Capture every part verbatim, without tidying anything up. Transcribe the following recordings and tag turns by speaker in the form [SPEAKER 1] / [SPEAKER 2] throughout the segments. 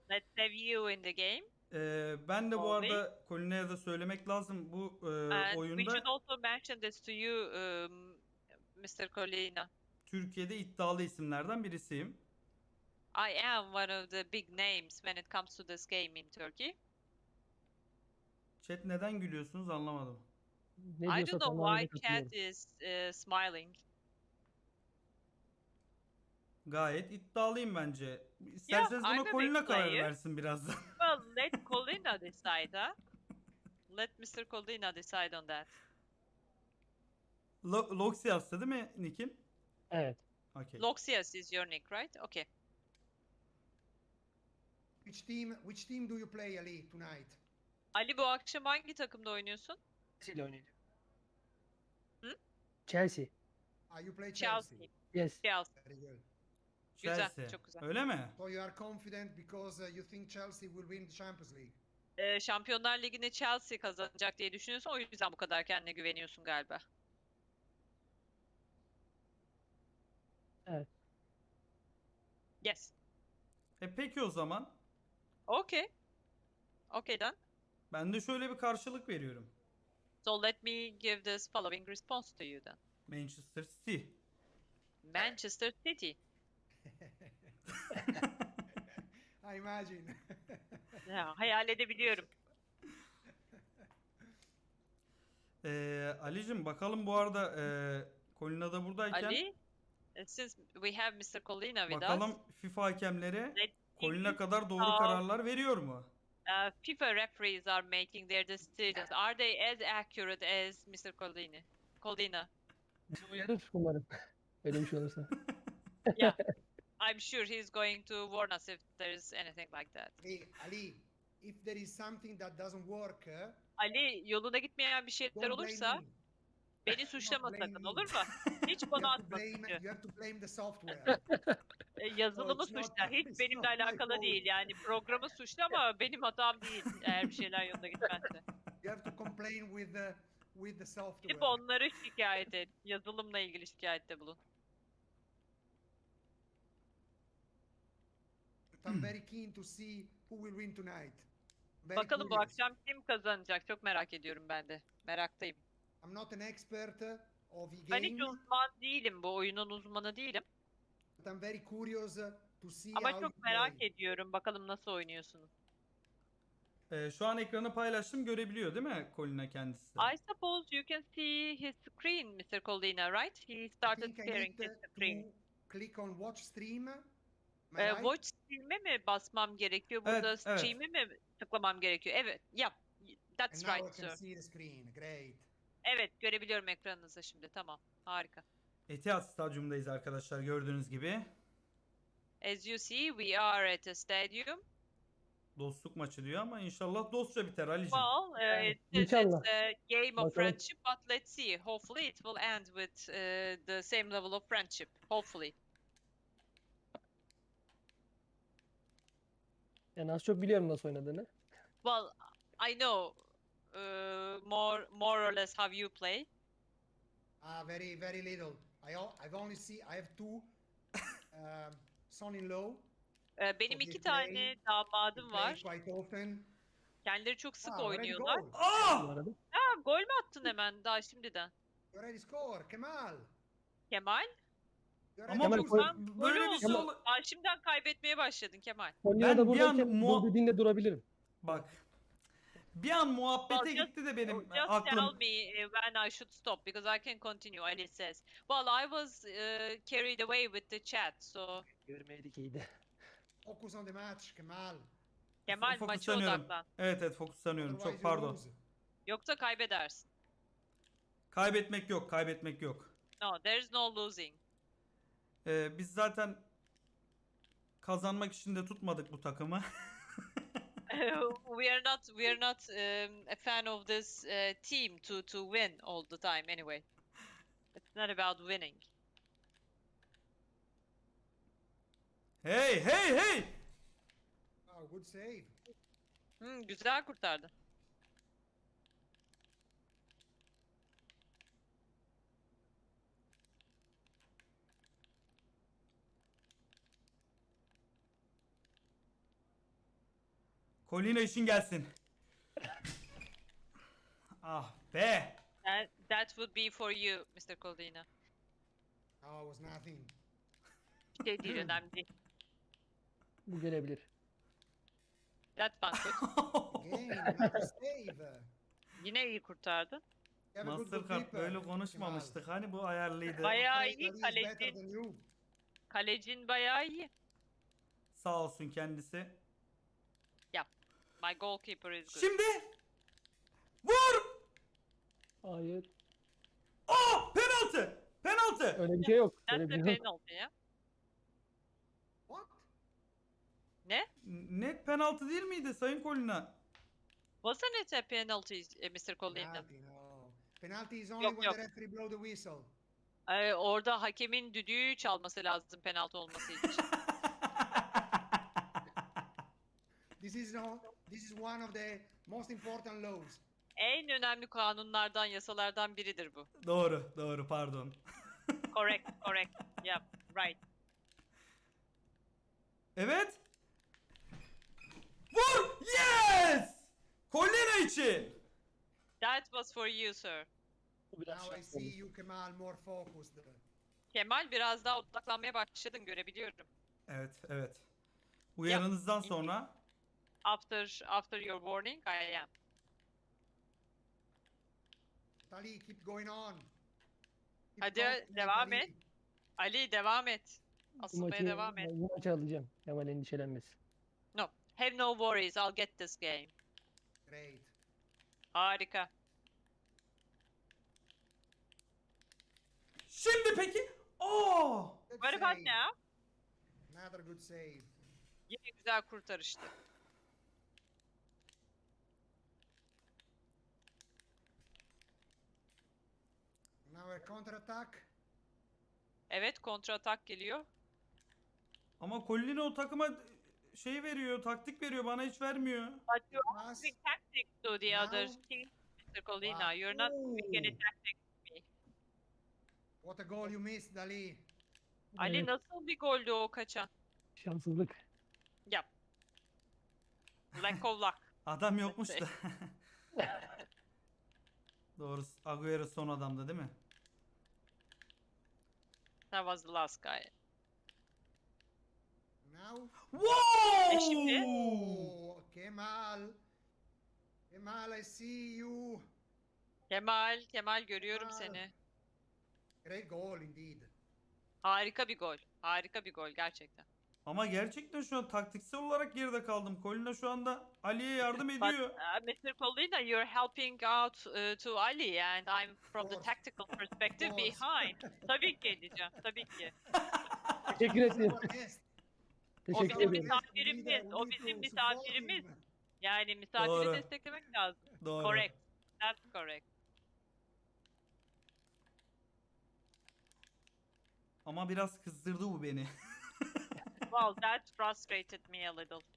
[SPEAKER 1] Let's have you in the game.
[SPEAKER 2] Ee, ben de bu
[SPEAKER 1] Always.
[SPEAKER 2] arada Colina'ya da söylemek lazım. Bu e,
[SPEAKER 1] And we should
[SPEAKER 2] oyunda
[SPEAKER 1] also mention this to you, um, mister Colina.
[SPEAKER 2] Türkiye'de iddialı isimlerden birisiyim.
[SPEAKER 1] I am one of the big names when it comes to this game in Turkey.
[SPEAKER 2] Chat neden gülüyorsunuz anlamadım.
[SPEAKER 3] Ne
[SPEAKER 1] I
[SPEAKER 3] diyorsa
[SPEAKER 1] don't know
[SPEAKER 3] tamamen
[SPEAKER 1] why
[SPEAKER 3] katılıyorum.
[SPEAKER 1] chat is uh, smiling.
[SPEAKER 2] Gayet iddialıyım bence. İsterseniz
[SPEAKER 1] I'm
[SPEAKER 2] buna
[SPEAKER 1] a big
[SPEAKER 2] Colina karar
[SPEAKER 1] player.
[SPEAKER 2] versin birazdan.
[SPEAKER 1] Well, let Colina decide, huh? Let mister Colina decide on that.
[SPEAKER 2] Lo- Loxias'ta değil mi Nick'in?
[SPEAKER 3] Evet.
[SPEAKER 2] Okay.
[SPEAKER 1] Loxias is your nick, right? Okay.
[SPEAKER 4] Which team? Which team do you play, Ali, tonight?
[SPEAKER 1] Ali, bu akşam hangi takımda oynuyorsun?
[SPEAKER 3] Chelsea ile oynayacak.
[SPEAKER 1] Hı?
[SPEAKER 3] Chelsea.
[SPEAKER 4] Ah, you play Chelsea.
[SPEAKER 1] Chelsea.
[SPEAKER 3] Yes.
[SPEAKER 1] Chelsea.
[SPEAKER 4] Very good.
[SPEAKER 1] Güzel,
[SPEAKER 2] Chelsea.
[SPEAKER 1] çok güzel.
[SPEAKER 2] Öyle mi?
[SPEAKER 4] So you are confident because uh, you think Chelsea will win the Champions League.
[SPEAKER 1] Ee, Şampiyonlar Ligi'ni Chelsea kazanacak diye düşünüyorsun. O yüzden bu kadar kendine güveniyorsun galiba.
[SPEAKER 3] Evet.
[SPEAKER 1] Yes.
[SPEAKER 2] E peki o zaman.
[SPEAKER 1] Okay. Okay then.
[SPEAKER 2] Ben de şöyle bir karşılık veriyorum.
[SPEAKER 1] So let me give this following response to you then.
[SPEAKER 2] Manchester City.
[SPEAKER 1] Manchester City.
[SPEAKER 4] I imagine.
[SPEAKER 1] Ya, hayal edebiliyorum.
[SPEAKER 2] Ee, Ali'cim bakalım bu arada e, Colina da buradayken
[SPEAKER 1] Ali, uh, since we have mister Colina with
[SPEAKER 2] bakalım
[SPEAKER 1] us,
[SPEAKER 2] FIFA hakemleri
[SPEAKER 1] let's
[SPEAKER 2] Colina
[SPEAKER 1] see
[SPEAKER 2] kadar doğru
[SPEAKER 1] how
[SPEAKER 2] kararlar veriyor mu?
[SPEAKER 1] uh, FIFA referees are making their decisions. Are they as accurate as mister Colina? Colina.
[SPEAKER 3] Bizi uyarır umarım. Öyle bir şey olursa.
[SPEAKER 1] Yeah. I'm sure he's going to warn us if there's anything like that.
[SPEAKER 4] Hey, Ali, if there is something that doesn't work, uh,
[SPEAKER 1] Ali, yoluna gitmeyen bir şeyler
[SPEAKER 4] don't blame
[SPEAKER 1] olursa
[SPEAKER 4] me.
[SPEAKER 1] beni suçlama
[SPEAKER 4] blame
[SPEAKER 1] sakın,
[SPEAKER 4] me.
[SPEAKER 1] olur mu? Hiç
[SPEAKER 4] You
[SPEAKER 1] bana
[SPEAKER 4] have to
[SPEAKER 1] atma
[SPEAKER 4] blame.
[SPEAKER 1] suçu.
[SPEAKER 4] You have to blame the software.
[SPEAKER 1] E, yazılımı
[SPEAKER 4] it's not-
[SPEAKER 1] suçla. Hiç
[SPEAKER 4] it's
[SPEAKER 1] benimle
[SPEAKER 4] not my
[SPEAKER 1] alakalı
[SPEAKER 4] fault.
[SPEAKER 1] değil. Yani programı suçla ama benim hatam değil eğer bir şeyler yolunda gitmezse.
[SPEAKER 4] You have to complain with the with the software.
[SPEAKER 1] Gidip onları şikayet et. Yazılımla ilgili şikayette bulun.
[SPEAKER 4] But I'm very keen to see who will win tonight. Very
[SPEAKER 1] Bakalım bu
[SPEAKER 4] curious.
[SPEAKER 1] akşam kim kazanacak? Çok merak ediyorum ben de. Meraktayım.
[SPEAKER 4] I'm not an expert uh, of the
[SPEAKER 1] Ben hiç
[SPEAKER 4] game,
[SPEAKER 1] uzman değilim. Bu oyunun uzmanı değilim.
[SPEAKER 4] but I'm very curious uh, to see
[SPEAKER 1] Ama
[SPEAKER 4] how
[SPEAKER 1] çok
[SPEAKER 4] you
[SPEAKER 1] merak
[SPEAKER 4] play.
[SPEAKER 1] ediyorum. Bakalım nasıl oynuyorsunuz.
[SPEAKER 2] Ee, şu an ekranı paylaştım görebiliyor değil mi Colina kendisi? de?
[SPEAKER 1] I suppose you can see his screen, mister Colina, right? He
[SPEAKER 4] I
[SPEAKER 1] started
[SPEAKER 4] think I
[SPEAKER 1] sharing
[SPEAKER 4] need
[SPEAKER 1] his
[SPEAKER 4] uh,
[SPEAKER 1] screen.
[SPEAKER 4] to click on watch stream. Am I
[SPEAKER 1] Ee,
[SPEAKER 4] right?
[SPEAKER 1] watch stream'e mi basmam gerekiyor? Burada
[SPEAKER 2] Evet, evet.
[SPEAKER 1] stream'e mi tıklamam gerekiyor? Evet, yap. That's
[SPEAKER 4] And now
[SPEAKER 1] right,
[SPEAKER 4] I can
[SPEAKER 1] sir.
[SPEAKER 4] see the screen. Great.
[SPEAKER 1] Evet, görebiliyorum ekranınızda şimdi. Tamam, harika.
[SPEAKER 2] Etihad Stadyumundayız arkadaşlar gördüğünüz gibi.
[SPEAKER 1] As you see, we are at a stadium.
[SPEAKER 2] Dostluk maçı diyor ama inşallah dostça biter Ali'cim.
[SPEAKER 1] Well, uh,
[SPEAKER 3] Yani,
[SPEAKER 1] it says it's
[SPEAKER 3] inşallah.
[SPEAKER 1] a game of
[SPEAKER 3] Bakalım.
[SPEAKER 1] friendship, but let's see. Hopefully it will end with uh, the same level of friendship. Hopefully.
[SPEAKER 3] Yani az çok biliyorum nasıl oynadığını.
[SPEAKER 1] Well, I know uh, more more or less how you play.
[SPEAKER 4] Ah, very very little. I o- I've only see. I have two um, son-in-law.
[SPEAKER 1] Ee, benim
[SPEAKER 4] So
[SPEAKER 1] iki
[SPEAKER 4] they play-
[SPEAKER 1] tane
[SPEAKER 4] They
[SPEAKER 1] damadım
[SPEAKER 4] play
[SPEAKER 1] var.
[SPEAKER 4] quite often.
[SPEAKER 1] Kendileri çok sık
[SPEAKER 4] Ah, already
[SPEAKER 1] oynuyorlar.
[SPEAKER 4] goal.
[SPEAKER 3] Bu
[SPEAKER 2] Aa!
[SPEAKER 3] arada.
[SPEAKER 1] Ha, gol mü attın hemen daha şimdiden?
[SPEAKER 4] You already score. Kemal.
[SPEAKER 1] Kemal?
[SPEAKER 4] You
[SPEAKER 2] Ama
[SPEAKER 4] already
[SPEAKER 3] Kemal,
[SPEAKER 2] bu-
[SPEAKER 4] score.
[SPEAKER 3] Kemal-
[SPEAKER 2] böyle
[SPEAKER 1] Golü
[SPEAKER 2] bir şey
[SPEAKER 1] oldu.
[SPEAKER 2] ol...
[SPEAKER 1] Aa, şimdiden kaybetmeye başladın Kemal.
[SPEAKER 3] Konya'da
[SPEAKER 2] Ben bir an
[SPEAKER 3] buradayken
[SPEAKER 2] muha-
[SPEAKER 3] bu dediğinde durabilirim.
[SPEAKER 2] Bak. Bir an muhabbete
[SPEAKER 1] Well, just-
[SPEAKER 2] gitti de benim
[SPEAKER 1] Just tell
[SPEAKER 2] aklım.
[SPEAKER 1] me uh, when I should stop because I can continue. Ali says. Well, I was uh, carried away with the chat, so
[SPEAKER 3] Görmeydik iyiydi.
[SPEAKER 4] Focus on the match, Kemal.
[SPEAKER 1] Kemal maça
[SPEAKER 2] Fokuslanıyorum.
[SPEAKER 1] odaklan.
[SPEAKER 2] Evet evet fokuslanıyorum.
[SPEAKER 4] Otherwise
[SPEAKER 2] Çok
[SPEAKER 4] you
[SPEAKER 2] pardon.
[SPEAKER 4] lose.
[SPEAKER 1] Yoksa kaybedersin.
[SPEAKER 2] Kaybetmek yok, kaybetmek yok.
[SPEAKER 1] No, there's no losing.
[SPEAKER 2] Ee, biz zaten kazanmak için de tutmadık bu takımı.
[SPEAKER 1] we are not we are not um, a fan of this uh, team to to win all the time anyway. It's not about winning.
[SPEAKER 2] Hey hey hey!
[SPEAKER 4] Oh, good save.
[SPEAKER 1] Hmm, güzel kurtardı.
[SPEAKER 2] Colina işin gelsin. Ah be.
[SPEAKER 1] That, that would be for you, mister Coldina.
[SPEAKER 4] Oh, it was nothing.
[SPEAKER 1] Bir şey değil, önemli değil.
[SPEAKER 3] Bu gelebilir.
[SPEAKER 1] That one good.
[SPEAKER 4] Again, another save.
[SPEAKER 1] Yine iyi kurtardın.
[SPEAKER 4] You have a good
[SPEAKER 2] Mastercard
[SPEAKER 4] goalkeeper,
[SPEAKER 2] böyle
[SPEAKER 4] Kemal.
[SPEAKER 2] konuşmamıştık. Hani bu ayarlıydı.
[SPEAKER 1] Bayağı
[SPEAKER 4] Afraid
[SPEAKER 1] iyi
[SPEAKER 4] Ali is better
[SPEAKER 1] kalecin.
[SPEAKER 4] than you.
[SPEAKER 1] Kalecin bayağı iyi.
[SPEAKER 2] Sağ olsun kendisi.
[SPEAKER 1] My goalkeeper is good.
[SPEAKER 2] Şimdi vur!
[SPEAKER 3] Hayır.
[SPEAKER 2] Aa, penaltı! Penaltı!
[SPEAKER 3] Öyle bir şey yok.
[SPEAKER 1] That's
[SPEAKER 3] Öyle
[SPEAKER 1] the
[SPEAKER 3] bir şey yok.
[SPEAKER 1] penalty ya.
[SPEAKER 4] What?
[SPEAKER 1] Ne?
[SPEAKER 2] Net penaltı değil miydi Sayın Colina?
[SPEAKER 1] Wasn't it a penalty, eh, mister Coldina?
[SPEAKER 4] Penalty, no. Penalty is only
[SPEAKER 1] Yok,
[SPEAKER 4] when
[SPEAKER 1] yok.
[SPEAKER 4] the referee blow the whistle.
[SPEAKER 1] Ee, orada hakemin düdüğü çalması lazım penaltı olması için.
[SPEAKER 4] This is no. This is one of the most important laws.
[SPEAKER 1] En önemli kanunlardan, yasalardan biridir bu.
[SPEAKER 2] Doğru, doğru pardon.
[SPEAKER 1] Correct, correct. Yeah, right.
[SPEAKER 2] Evet. Vur! Yes! Colina için.
[SPEAKER 1] That was for you, sir.
[SPEAKER 3] Bu biraz
[SPEAKER 4] Now I
[SPEAKER 3] şans
[SPEAKER 4] see
[SPEAKER 3] olmuş.
[SPEAKER 4] you, Kemal, more focused.
[SPEAKER 1] Kemal biraz daha odaklanmaya başladın, görebiliyorum.
[SPEAKER 2] Evet, evet. Uyarınızdan sonra
[SPEAKER 1] After after your warning, I am.
[SPEAKER 4] Tali, keep going on. Keep
[SPEAKER 1] Hadi,
[SPEAKER 4] confident,
[SPEAKER 1] devam
[SPEAKER 4] Ali.
[SPEAKER 1] et. Ali devam et.
[SPEAKER 3] Bu
[SPEAKER 1] Asılmaya
[SPEAKER 3] maçı,
[SPEAKER 1] devam et.
[SPEAKER 3] bu maçı alacağım. Kemal endişelenmesin.
[SPEAKER 1] No, have no worries. I'll get this game.
[SPEAKER 4] Great.
[SPEAKER 1] Harika.
[SPEAKER 2] şimdi peki. Oo!
[SPEAKER 4] Good
[SPEAKER 1] What about
[SPEAKER 4] save.
[SPEAKER 1] now?
[SPEAKER 4] Another good save.
[SPEAKER 1] Yine güzel kurtarıştı.
[SPEAKER 4] Now a counter attack.
[SPEAKER 1] Evet, kontra atak geliyor.
[SPEAKER 2] Ama Colina o takıma şey veriyor, taktik veriyor, bana hiç vermiyor.
[SPEAKER 1] But you're
[SPEAKER 4] Pass.
[SPEAKER 1] giving tactics to the
[SPEAKER 4] Now.
[SPEAKER 1] other team, mister Colina.
[SPEAKER 4] Wow.
[SPEAKER 1] You're not giving any
[SPEAKER 4] Ooh.
[SPEAKER 1] tactics to me.
[SPEAKER 4] What a goal you missed, Ali.
[SPEAKER 1] Ali
[SPEAKER 3] Evet,
[SPEAKER 1] nasıl bir goldü o kaçan?
[SPEAKER 3] şanssızlık.
[SPEAKER 1] Yap. Lack of luck.
[SPEAKER 2] Adam yokmuş da. Doğru. Agüero son adamdı değil mi?
[SPEAKER 1] That was the last guy.
[SPEAKER 4] Now.
[SPEAKER 1] E şimdi?
[SPEAKER 2] Wow!
[SPEAKER 4] Oh, Kemal. Kemal, I see you.
[SPEAKER 1] Kemal, Kemal görüyorum
[SPEAKER 4] Kemal.
[SPEAKER 1] seni.
[SPEAKER 4] Great goal indeed.
[SPEAKER 1] Harika bir gol. Harika bir gol gerçekten.
[SPEAKER 2] Ama gerçekten şu an taktiksel olarak geride kaldım. Colina şu anda Ali'ye yardım
[SPEAKER 1] But
[SPEAKER 2] ediyor.
[SPEAKER 1] uh, mister Colina, you're helping out uh, to Ali and I'm from the
[SPEAKER 4] course.
[SPEAKER 1] tactical perspective
[SPEAKER 4] course.
[SPEAKER 1] behind. Tabii ki edeceğim, tabii ki.
[SPEAKER 3] Teşekkür ederim.
[SPEAKER 4] Our guest.
[SPEAKER 1] O
[SPEAKER 3] Teşekkür
[SPEAKER 1] bizim
[SPEAKER 3] ederim.
[SPEAKER 1] misafirimiz, o bizim misafirimiz. Yani misafiri
[SPEAKER 2] Doğru.
[SPEAKER 1] desteklemek lazım.
[SPEAKER 2] Doğru.
[SPEAKER 1] Correct. That's correct.
[SPEAKER 2] Ama biraz kızdırdı bu beni.
[SPEAKER 1] Well, that frustrated me a little.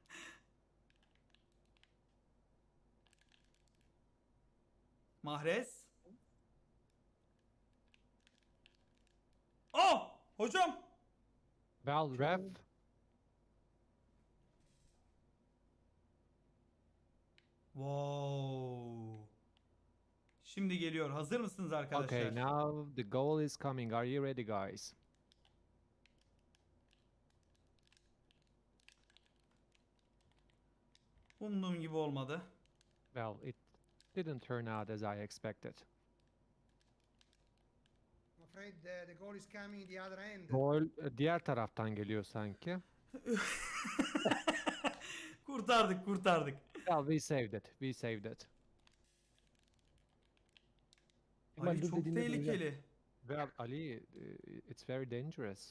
[SPEAKER 2] Mahrez. Aa! Hocam!
[SPEAKER 5] Val, ref.
[SPEAKER 2] Wow. Şimdi geliyor. Hazır mısınız arkadaşlar?
[SPEAKER 5] Okay, now the goal is coming. Are you ready, guys?
[SPEAKER 2] Umduğum gibi olmadı.
[SPEAKER 5] Well, it didn't turn out as I expected.
[SPEAKER 4] I'm afraid the, the goal is coming the other end.
[SPEAKER 5] Gol e, diğer taraftan geliyor sanki.
[SPEAKER 2] kurtardık, kurtardık.
[SPEAKER 5] Well, we saved it. We saved it.
[SPEAKER 3] Kemal
[SPEAKER 2] Ali
[SPEAKER 3] dur
[SPEAKER 2] çok
[SPEAKER 3] dediğinde duracağım.
[SPEAKER 2] tehlikeli.
[SPEAKER 5] Well, Ali, uh, it's very dangerous.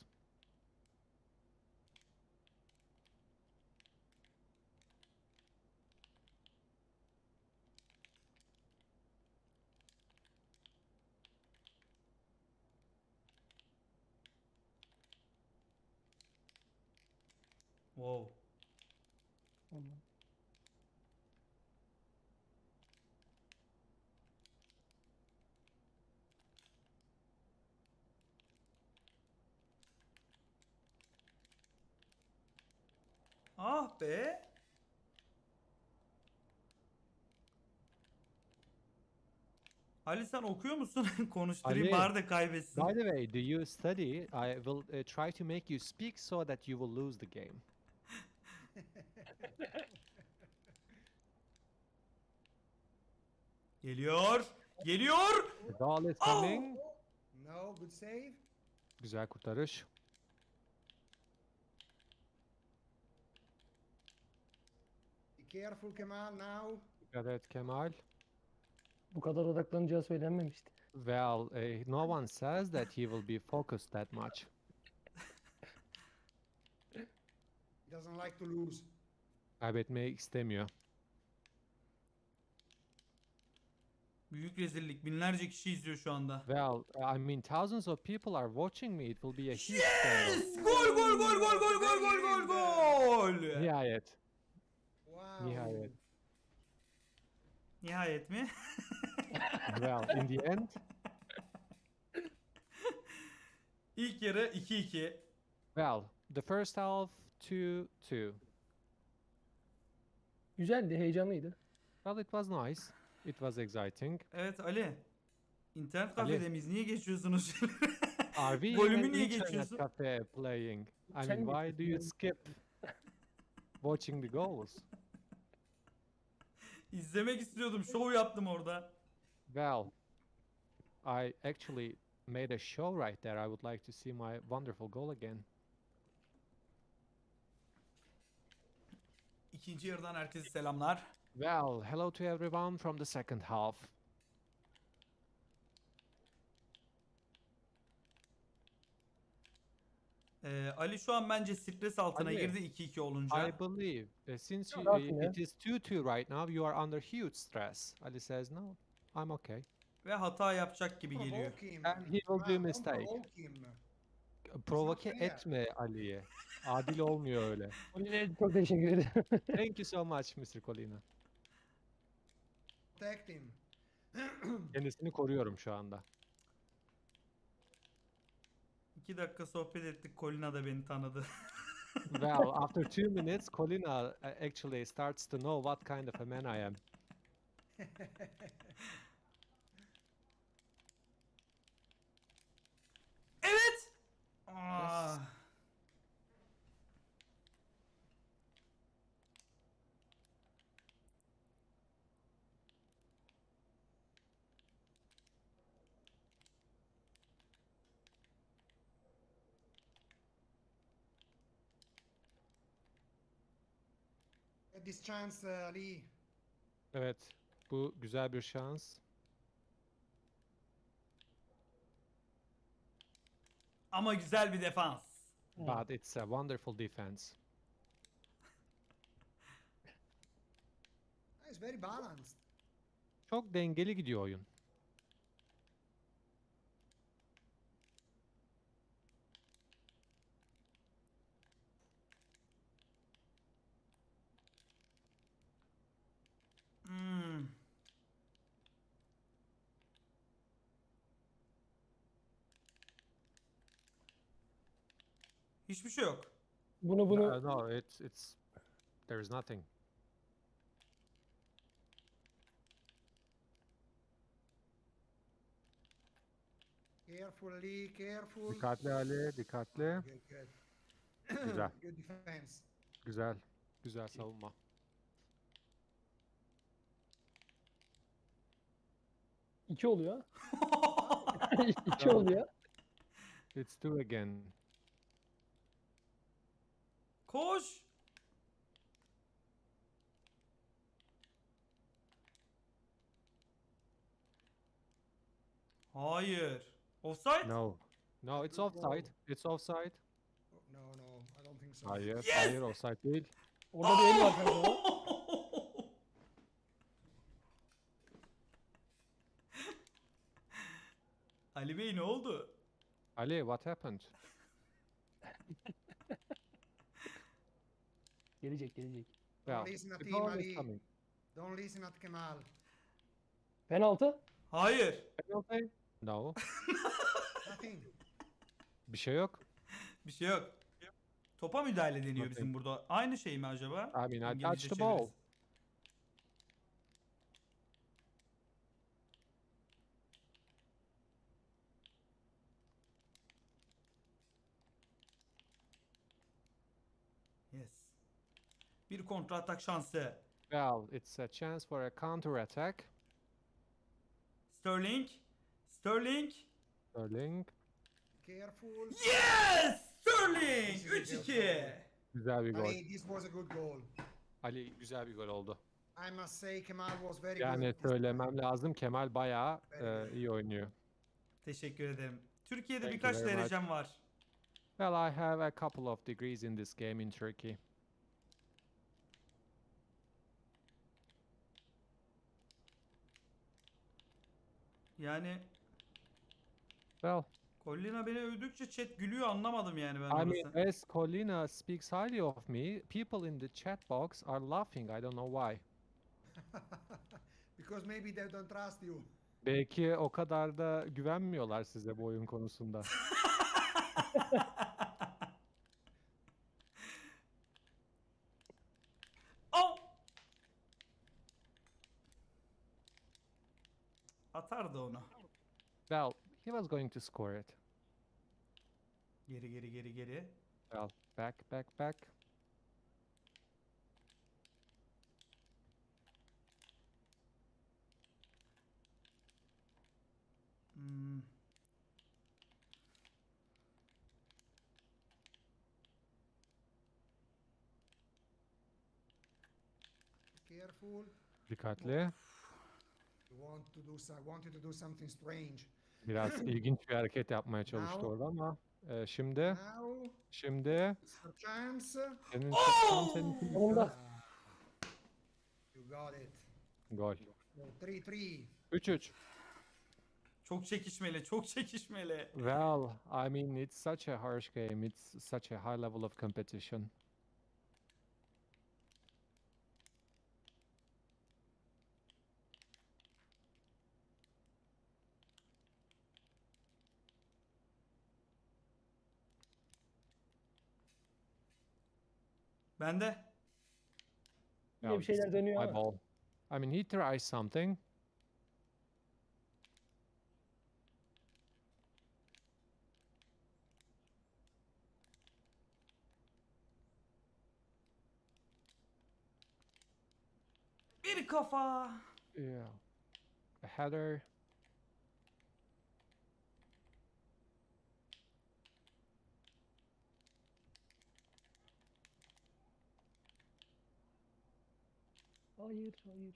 [SPEAKER 2] Wow.
[SPEAKER 3] Tamam.
[SPEAKER 2] Ah be. Ali sen okuyor musun? Konuşturayım
[SPEAKER 5] Ali.
[SPEAKER 2] bari de kaybetsin.
[SPEAKER 5] By the way, do you study? I will uh, try to make you speak so that you will lose the game.
[SPEAKER 2] Geliyor. Geliyor.
[SPEAKER 5] The ball is
[SPEAKER 2] Oh!
[SPEAKER 5] coming.
[SPEAKER 4] No, good save.
[SPEAKER 5] Güzel kurtarış.
[SPEAKER 4] Be careful, Kemal, now.
[SPEAKER 5] Dikkat et Kemal.
[SPEAKER 3] Bu kadar odaklanacağı söylenmemişti.
[SPEAKER 5] Well, uh, no one says that he will be focused that much.
[SPEAKER 4] He doesn't like to lose.
[SPEAKER 5] Kaybetmeyi istemiyor.
[SPEAKER 2] Büyük rezillik. Binlerce kişi izliyor şu anda.
[SPEAKER 5] Well, I mean, thousands of people are watching me. It will be a huge scandal.
[SPEAKER 2] Yes! Gol gol gol gol gol gol gol gol gol.
[SPEAKER 5] Nihayet.
[SPEAKER 4] Wow.
[SPEAKER 5] Nihayet.
[SPEAKER 2] Nihayet mi?
[SPEAKER 5] Well, in the end,
[SPEAKER 2] İlk yarı iki iki.
[SPEAKER 5] well, the first half two two.
[SPEAKER 3] Güzeldi, heyecanlıydı.
[SPEAKER 5] Well, it was nice. It was exciting.
[SPEAKER 2] Evet Ali. İnternet
[SPEAKER 5] Ali.
[SPEAKER 2] kafede miyiz? Niye geçiyorsunuz?
[SPEAKER 5] Are we
[SPEAKER 2] Golümü
[SPEAKER 5] in an
[SPEAKER 2] niye
[SPEAKER 5] internet
[SPEAKER 2] geçiyorsun?
[SPEAKER 5] cafe playing? I
[SPEAKER 3] Sen
[SPEAKER 5] mean, why do you
[SPEAKER 3] geçiyorsun.
[SPEAKER 5] skip watching the goals?
[SPEAKER 2] İzlemek istiyordum. Şov yaptım orada.
[SPEAKER 5] Well, I actually made a show right there. I would like to see my wonderful goal again.
[SPEAKER 2] İkinci yarıdan herkese selamlar.
[SPEAKER 5] Well, hello to everyone from the second half.
[SPEAKER 2] Ee, Ali şu an bence stres altına
[SPEAKER 5] Ali.
[SPEAKER 2] girdi iki iki olunca.
[SPEAKER 5] I believe uh, since you,
[SPEAKER 3] Not
[SPEAKER 5] uh,
[SPEAKER 3] yet.
[SPEAKER 5] it is two two right now, you are under huge stress. Ali says, no, I'm okay.
[SPEAKER 2] Ve hata yapacak gibi geliyor.
[SPEAKER 4] Provoke him.
[SPEAKER 5] And he will do
[SPEAKER 4] Kemal, don't
[SPEAKER 5] mistake.
[SPEAKER 4] provoke him.
[SPEAKER 5] Provoke
[SPEAKER 4] fair.
[SPEAKER 5] etme Ali'ye. Adil olmuyor öyle.
[SPEAKER 3] Oli'ye çok teşekkür ederim.
[SPEAKER 5] Thank you so much mister Colina.
[SPEAKER 4] Protect him.
[SPEAKER 5] Kendisini koruyorum şu anda.
[SPEAKER 2] İki dakika sohbet ettik. Colina da beni tanıdı.
[SPEAKER 5] Well, after two minutes, Colina uh, actually starts to know what kind of a man I am.
[SPEAKER 2] Evet. Aa.
[SPEAKER 4] Get this chance, uh, Ali.
[SPEAKER 5] Evet, bu güzel bir şans.
[SPEAKER 2] Ama güzel bir defans.
[SPEAKER 5] But it's a wonderful defense.
[SPEAKER 4] It's very balanced.
[SPEAKER 5] Çok dengeli gidiyor oyun.
[SPEAKER 2] Hmm. Hiçbir şey yok.
[SPEAKER 3] Bunu bunu
[SPEAKER 5] Uh, no, it's it's there is nothing.
[SPEAKER 4] Careful, Ali. Careful.
[SPEAKER 5] Dikkatli Ali, dikkatli.
[SPEAKER 4] Good, good.
[SPEAKER 5] Güzel.
[SPEAKER 4] Good defense.
[SPEAKER 5] Güzel, güzel savunma.
[SPEAKER 3] iki oluyor. iki oluyor.
[SPEAKER 5] It's two again.
[SPEAKER 2] Koş. Hayır. Offside?
[SPEAKER 5] No. No, it's offside. It's offside.
[SPEAKER 4] Oh, no, no, I don't think so.
[SPEAKER 5] Hayır,
[SPEAKER 2] Yes!
[SPEAKER 5] hayır offside değil.
[SPEAKER 3] Orada bir el var kanka.
[SPEAKER 2] Ali Bey ne oldu?
[SPEAKER 5] Ali, what happened?
[SPEAKER 3] Gelecek gelecek.
[SPEAKER 5] Well,
[SPEAKER 4] listen to
[SPEAKER 5] the
[SPEAKER 4] him,
[SPEAKER 5] goal
[SPEAKER 4] Ali.
[SPEAKER 5] is coming.
[SPEAKER 4] Don't listen at Kemal.
[SPEAKER 3] Penaltı.
[SPEAKER 2] Hayır.
[SPEAKER 5] Penalty? No.
[SPEAKER 4] Nothing.
[SPEAKER 5] Bir şey yok.
[SPEAKER 2] Bir şey yok. Topa müdahale deniyor bizim
[SPEAKER 5] Nothing.
[SPEAKER 2] burada. Aynı şey mi acaba?
[SPEAKER 5] I mean, I
[SPEAKER 2] İngilizce
[SPEAKER 5] touched the ball.
[SPEAKER 2] çevirisi. Bir kontra atak şansı.
[SPEAKER 5] Well, it's a chance for a counter attack.
[SPEAKER 2] Sterling. Sterling.
[SPEAKER 5] Sterling.
[SPEAKER 4] Careful.
[SPEAKER 2] Yes! Sterling!
[SPEAKER 4] This is a
[SPEAKER 2] üç
[SPEAKER 4] good
[SPEAKER 2] iki.
[SPEAKER 4] goal.
[SPEAKER 5] Güzel bir gol.
[SPEAKER 4] Ali, this was a good goal.
[SPEAKER 5] Ali güzel bir gol oldu.
[SPEAKER 4] I must say Kemal was very
[SPEAKER 5] Yani
[SPEAKER 4] good. this
[SPEAKER 5] söylemem lazım, Kemal bayağı
[SPEAKER 4] Very
[SPEAKER 5] e,
[SPEAKER 4] good.
[SPEAKER 5] iyi oynuyor.
[SPEAKER 2] Teşekkür ederim. Türkiye'de
[SPEAKER 5] Thank you
[SPEAKER 2] birkaç
[SPEAKER 5] very much.
[SPEAKER 2] derecem var.
[SPEAKER 5] Well, I have a couple of degrees in this game in Turkey.
[SPEAKER 2] Yani
[SPEAKER 5] Well,
[SPEAKER 2] Collina beni övdükçe chat gülüyor, anlamadım yani ben
[SPEAKER 5] I mean,
[SPEAKER 2] orası.
[SPEAKER 5] as Colina speaks highly of me, people in the chat box are laughing. I don't know why.
[SPEAKER 4] Because maybe they don't trust you.
[SPEAKER 5] Belki o kadar da güvenmiyorlar size bu oyun konusunda.
[SPEAKER 2] Au! Atardı onu.
[SPEAKER 5] Well, he was going to score it.
[SPEAKER 2] Geri geri geri geri.
[SPEAKER 5] Well, back, back, back.
[SPEAKER 2] Hmm.
[SPEAKER 4] Careful.
[SPEAKER 5] Dikkatli.
[SPEAKER 4] You want to do some, wanted to do something strange.
[SPEAKER 5] Biraz ilginç bir hareket yapmaya çalıştı
[SPEAKER 4] Now-
[SPEAKER 5] orada ama e, şimdi,
[SPEAKER 4] Now
[SPEAKER 5] şimdi
[SPEAKER 4] it's your chance.
[SPEAKER 5] senin tam senin
[SPEAKER 3] Sonunda.
[SPEAKER 4] Ah, you got it.
[SPEAKER 5] gol.
[SPEAKER 4] three three.
[SPEAKER 5] üç üç.
[SPEAKER 2] Çok çekişmeli, çok çekişmeli.
[SPEAKER 5] Well, I mean, it's such a harsh game. It's such a high level of competition.
[SPEAKER 2] Bende.
[SPEAKER 3] Yine
[SPEAKER 5] Well,
[SPEAKER 3] bir şeyler
[SPEAKER 5] this is
[SPEAKER 3] dönüyor
[SPEAKER 5] my
[SPEAKER 3] ama.
[SPEAKER 5] ball. I mean, he tries something.
[SPEAKER 2] Bir kafa.
[SPEAKER 5] Yeah. A header.
[SPEAKER 3] Hayır, hayır.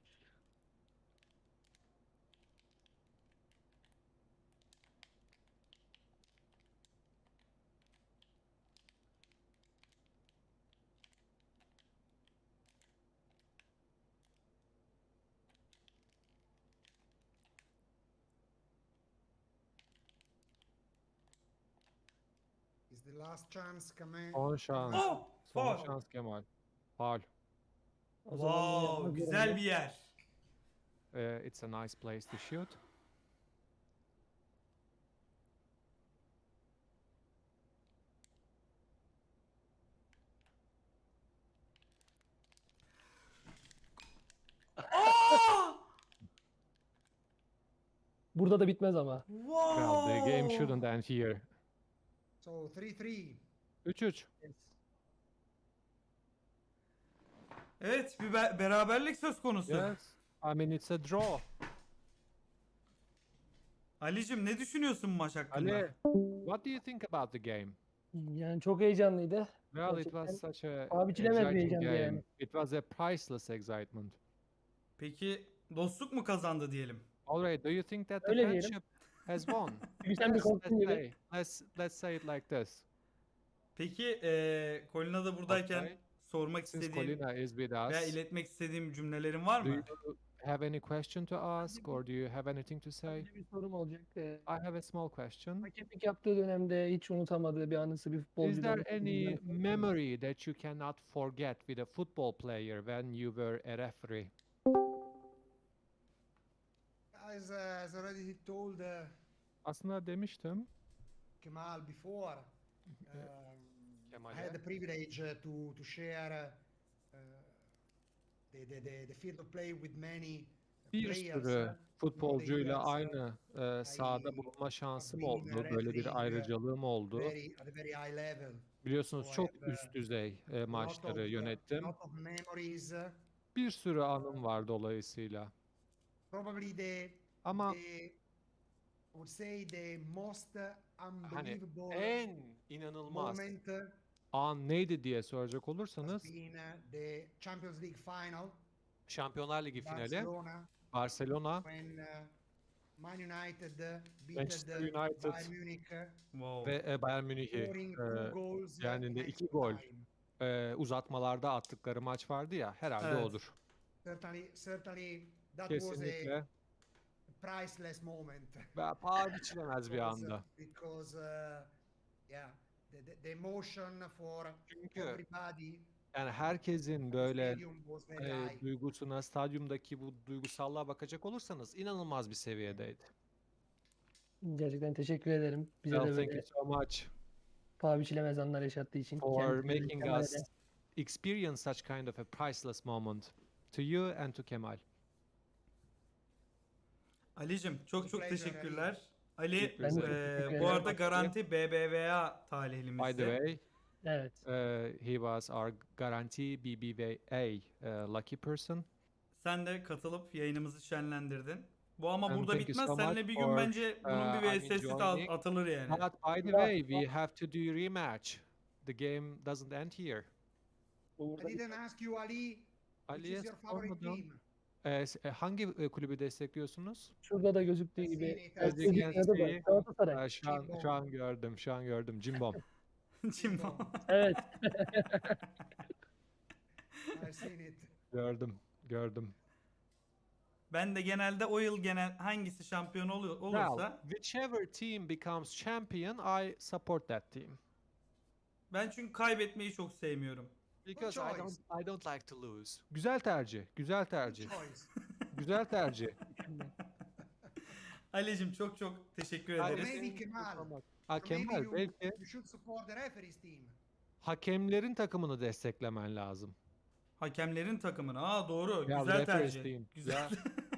[SPEAKER 4] Is the last chance, Kemal?
[SPEAKER 5] Son şans.
[SPEAKER 2] Oh!
[SPEAKER 5] Son
[SPEAKER 2] Faul.
[SPEAKER 5] şans Kemal. Faul.
[SPEAKER 3] O zaman bunu
[SPEAKER 2] Wow,
[SPEAKER 3] yapmak
[SPEAKER 2] güzel
[SPEAKER 3] zorunda.
[SPEAKER 2] bir yer.
[SPEAKER 5] Uh, it's a nice place to shoot.
[SPEAKER 2] Aa!
[SPEAKER 3] Burada da bitmez ama.
[SPEAKER 5] Well, the game
[SPEAKER 2] Wow.
[SPEAKER 5] shouldn't end here.
[SPEAKER 4] So three three.
[SPEAKER 5] üç üç.
[SPEAKER 2] Evet, bir be- beraberlik söz konusu.
[SPEAKER 5] Yes. I mean, it's a draw.
[SPEAKER 2] Alicim, ne düşünüyorsun maç hakkında?
[SPEAKER 5] Ali, what do you think about the game?
[SPEAKER 3] Yani çok heyecanlıydı.
[SPEAKER 5] Well, it
[SPEAKER 3] Gerçekten
[SPEAKER 5] was such a
[SPEAKER 3] paha biçilemez bir
[SPEAKER 5] exciting
[SPEAKER 3] heyecandı
[SPEAKER 5] game.
[SPEAKER 3] yani.
[SPEAKER 5] It was a priceless excitement.
[SPEAKER 2] Peki dostluk mu kazandı diyelim?
[SPEAKER 5] Alright, do you think that the
[SPEAKER 3] Öyle diyelim.
[SPEAKER 5] friendship has won?
[SPEAKER 3] Çünkü sen bir
[SPEAKER 5] Let's,
[SPEAKER 3] korktun
[SPEAKER 5] let's
[SPEAKER 3] gibi.
[SPEAKER 5] say, let's let's say it like this.
[SPEAKER 2] Peki eee Colina da buradayken
[SPEAKER 5] Okay.
[SPEAKER 2] sormak
[SPEAKER 5] Since
[SPEAKER 2] istediğim
[SPEAKER 5] Colina is with
[SPEAKER 2] veya
[SPEAKER 5] us,
[SPEAKER 2] iletmek istediğim cümlelerin var
[SPEAKER 5] do
[SPEAKER 2] mı?
[SPEAKER 5] you have any question to ask or do you have anything to say?
[SPEAKER 3] Önce bir sorum olacak. Ee,
[SPEAKER 5] I have a small question.
[SPEAKER 3] Hakemlik yaptığı dönemde hiç unutamadığı bir anısı bir
[SPEAKER 5] Is
[SPEAKER 3] futbolcudan.
[SPEAKER 5] there any memory that you cannot forget with a football player when you were a referee?
[SPEAKER 4] As, uh, as already he told uh,
[SPEAKER 5] Aslında demiştim.
[SPEAKER 4] Kemal before, um, I
[SPEAKER 5] Kemal'e.
[SPEAKER 4] had the privilege uh, to to share uh, the, the the the field of play with many
[SPEAKER 5] Bir
[SPEAKER 4] players.
[SPEAKER 5] sürü
[SPEAKER 4] uh,
[SPEAKER 5] futbolcuyla
[SPEAKER 4] years, uh,
[SPEAKER 5] aynı e, sahada
[SPEAKER 4] I
[SPEAKER 5] bulunma şansım
[SPEAKER 4] been
[SPEAKER 5] oldu. Böyle bir
[SPEAKER 4] refereeing, uh,
[SPEAKER 5] ayrıcalığım oldu.
[SPEAKER 4] very at a very high level.
[SPEAKER 5] Biliyorsunuz
[SPEAKER 4] So I
[SPEAKER 5] çok
[SPEAKER 4] have,
[SPEAKER 5] üst
[SPEAKER 4] uh,
[SPEAKER 5] düzey e,
[SPEAKER 4] a lot
[SPEAKER 5] maçları
[SPEAKER 4] of, uh,
[SPEAKER 5] yönettim.
[SPEAKER 4] lot of memories. uh,
[SPEAKER 5] Bir sürü anım var dolayısıyla.
[SPEAKER 4] Probably the
[SPEAKER 5] Ama
[SPEAKER 4] the I would say the most uh,
[SPEAKER 5] hani
[SPEAKER 4] unbelievable
[SPEAKER 5] en inanılmaz
[SPEAKER 4] moment uh,
[SPEAKER 5] an neydi diye soracak
[SPEAKER 4] has
[SPEAKER 5] olursanız
[SPEAKER 4] been uh, the Champions League final,
[SPEAKER 5] Şampiyonlar Ligi finali
[SPEAKER 4] Barcelona,
[SPEAKER 5] Barcelona
[SPEAKER 4] when uh, Man United uh,
[SPEAKER 5] Manchester
[SPEAKER 4] beated uh,
[SPEAKER 5] United
[SPEAKER 4] Bayern Munich, uh,
[SPEAKER 2] Wow.
[SPEAKER 5] ve e, Bayern Münih'i
[SPEAKER 4] scoring
[SPEAKER 5] e,
[SPEAKER 4] two goals uh,
[SPEAKER 5] yendiğinde
[SPEAKER 4] in
[SPEAKER 5] iki
[SPEAKER 4] extra
[SPEAKER 5] gol
[SPEAKER 4] time.
[SPEAKER 5] e, uzatmalarda attıkları maç vardı ya, herhalde
[SPEAKER 2] Evet.
[SPEAKER 5] odur.
[SPEAKER 4] Certainly, certainly that was a
[SPEAKER 5] Kesinlikle
[SPEAKER 4] priceless moment.
[SPEAKER 5] ve paha biçilemez bir
[SPEAKER 4] because,
[SPEAKER 5] anda.
[SPEAKER 4] because uh, yeah, the, the, the emotion for
[SPEAKER 5] Çünkü
[SPEAKER 4] everybody
[SPEAKER 5] yani herkesin
[SPEAKER 4] at the
[SPEAKER 5] böyle
[SPEAKER 4] stadium was very
[SPEAKER 5] e,
[SPEAKER 4] high.
[SPEAKER 5] duygusuna, stadyumdaki bu duygusallığa bakacak olursanız inanılmaz bir seviyedeydi.
[SPEAKER 3] Gerçekten teşekkür ederim. Bize
[SPEAKER 5] Well,
[SPEAKER 3] de
[SPEAKER 5] thank you
[SPEAKER 3] böyle
[SPEAKER 5] so much
[SPEAKER 3] paha biçilemez anlar yaşattığı için.
[SPEAKER 5] for
[SPEAKER 3] Kendisine de,
[SPEAKER 5] making
[SPEAKER 3] Kemal'e
[SPEAKER 5] us
[SPEAKER 3] de.
[SPEAKER 5] experience such kind of a priceless moment. To you and to Kemal.
[SPEAKER 2] Ali'cim çok
[SPEAKER 4] It's a
[SPEAKER 2] çok
[SPEAKER 4] pleasure,
[SPEAKER 2] teşekkürler. Ali
[SPEAKER 5] Ben de
[SPEAKER 3] çok
[SPEAKER 2] eee,
[SPEAKER 3] teşekkür
[SPEAKER 2] bu
[SPEAKER 3] ederim.
[SPEAKER 2] arada garanti B B V A talihlimizdi.
[SPEAKER 5] By the way,
[SPEAKER 3] Evet.
[SPEAKER 5] uh, he was our guarantee B B V A uh, lucky person.
[SPEAKER 2] Sen de katılıp yayınımızı şenlendirdin. Bu ama
[SPEAKER 5] And
[SPEAKER 2] burada
[SPEAKER 5] thank you
[SPEAKER 2] bitmez.
[SPEAKER 5] so
[SPEAKER 2] Seninle
[SPEAKER 5] much
[SPEAKER 2] bir gün
[SPEAKER 5] for,
[SPEAKER 2] bence bunun
[SPEAKER 5] uh,
[SPEAKER 2] bir
[SPEAKER 5] I'm
[SPEAKER 2] V S'si de
[SPEAKER 5] enjoying.
[SPEAKER 2] atılır yani.
[SPEAKER 5] But by the
[SPEAKER 3] Yeah.
[SPEAKER 5] way, we have to do rematch. The game doesn't end here.
[SPEAKER 3] Bu
[SPEAKER 4] I
[SPEAKER 3] burada
[SPEAKER 4] didn't ask you, Ali, which
[SPEAKER 5] Ali'ye
[SPEAKER 4] is your favorite
[SPEAKER 5] sormadan
[SPEAKER 4] team?
[SPEAKER 5] e, s- e, hangi e, kulübü destekliyorsunuz?
[SPEAKER 3] şurada da gözüktüğü
[SPEAKER 4] I've
[SPEAKER 3] gibi
[SPEAKER 4] seen it,
[SPEAKER 3] ters
[SPEAKER 4] I've seen
[SPEAKER 3] gözükmüyordu da
[SPEAKER 5] it.
[SPEAKER 3] Galatasaray.
[SPEAKER 5] E, şu an
[SPEAKER 4] Cimbom.
[SPEAKER 5] şu an gördüm, şu an gördüm. Cimbom.
[SPEAKER 2] Cimbom.
[SPEAKER 3] Evet.
[SPEAKER 4] I've seen it.
[SPEAKER 5] Gördüm, gördüm.
[SPEAKER 2] Ben de genelde o yıl genel hangisi şampiyon oluyor,
[SPEAKER 5] Well,
[SPEAKER 2] olursa
[SPEAKER 5] whichever team becomes champion, I support that team.
[SPEAKER 2] ben çünkü kaybetmeyi çok sevmiyorum.
[SPEAKER 5] Because I
[SPEAKER 4] choice.
[SPEAKER 5] don't I don't like to lose. Güzel tercih, güzel tercih.
[SPEAKER 4] Choice.
[SPEAKER 5] Güzel tercih.
[SPEAKER 2] Ali'cim çok çok teşekkür
[SPEAKER 5] Hadi.
[SPEAKER 2] ederiz.
[SPEAKER 4] Maybe Kemal.
[SPEAKER 5] Ha
[SPEAKER 4] Or maybe
[SPEAKER 5] Kemal
[SPEAKER 4] you,
[SPEAKER 5] belki
[SPEAKER 4] you should support the referee's team.
[SPEAKER 5] hakemlerin takımını desteklemen lazım.
[SPEAKER 2] Hakemlerin takımını. Aa doğru.
[SPEAKER 5] Ya,
[SPEAKER 2] Güzel
[SPEAKER 5] referees
[SPEAKER 2] tercih.
[SPEAKER 5] team.
[SPEAKER 2] Güzel.